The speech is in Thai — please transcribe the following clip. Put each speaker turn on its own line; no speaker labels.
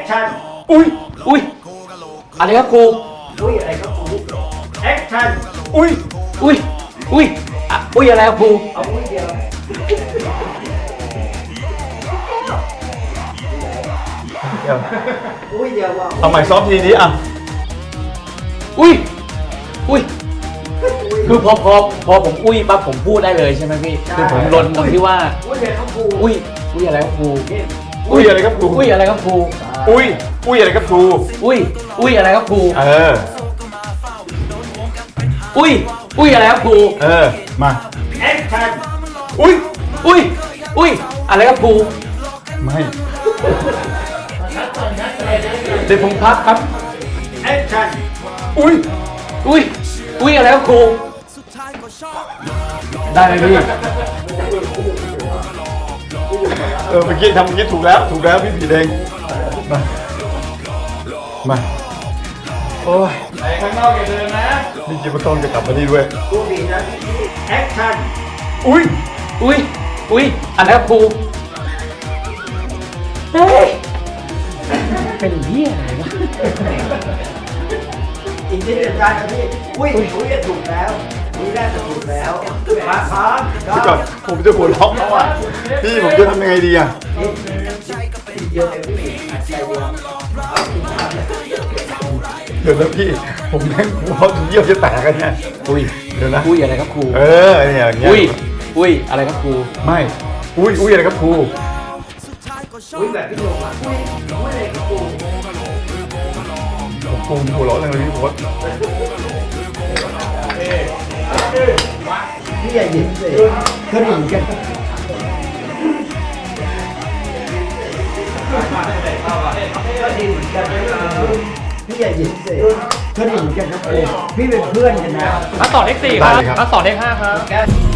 ชั่น
อุ้ย
อะไรครับครู
อุ้ยอะไรครับครูแอคชั่น
อุ้ย
อะไรครับครู
เอาอุ้ยเดียว
เดี๋ยว
อุ้ยเดียวว่า
เอาใหม่ซ้อมทีนี้อ่ะ
อุ้ยคือพอผมปั๊บผมพูดได้เลยใช่ไหมพี่คือผมลนตรงที่ว่า
อุ้ยอะไรครับครู
อุ้ยอะไรครับครู
อุ้ยอะไรครับครู
อุ้ยอะไรครับครู
อุ้ยอะไรครับครู
อุ้ยอะไรครับครู
เออ
อุ้ยอะไรครับครู
เออมา
แอคชั่น
อุ้ย
อะไรครับครู
ไม่
เดี๋ยวผมพักครับ
แอคชั่น
อุ้ยอะไรครับครูได้ไหมพี่
เมื่อกี้ทำเมื่อกี้ถูกแล้วพี่ผีแดงมาโอ้ย
ไปข้างนอกอย่าเดินนะ
นี่จิบต้องจะกลับมานี่ด้วย
ครูดีนะแอคชั่น
อุ้ยอะไรครับครูเฮ้ยเป็นเหี้ยอะไรวะ
อีกนิดเดียวได้นะพี่อุ้ยถูกแล้วนี่น่าจะถูกแล้วมาพร้อม
พี่ก่อนผมจะหัวเราะแล้วอ่ะพี่ผมจะทำยังไงดีอ่ะ
เยอะเลยพี่ใจเย็น
เดี๋ยวนะพี่ผมแม่งหัวเราะจนเยี่ยวจะแตกกันเนี่ยเดี๋ยวนะ
อุ้ยอะไรครับครู
เนี่ยอย่างเงี้ย
อุ้ยอะไรครับครู
ไม่อุ้ยอะไรครับครู
อุ้ยแบบพี่โยมอ่ะอุ้ยอะไรครับครู
ผมหัวเราะเลยพี่โพส
พี่อย่ายิ้มสิก็ดีเหมือนกันก็ดีเหมือนกันพี่อย่ายิ้มสิก็ดีเหมือนกันครับพี่เป็นเพื่อนกันนะ
มาต่อเลข4ครับมาต่อเลข5ครับ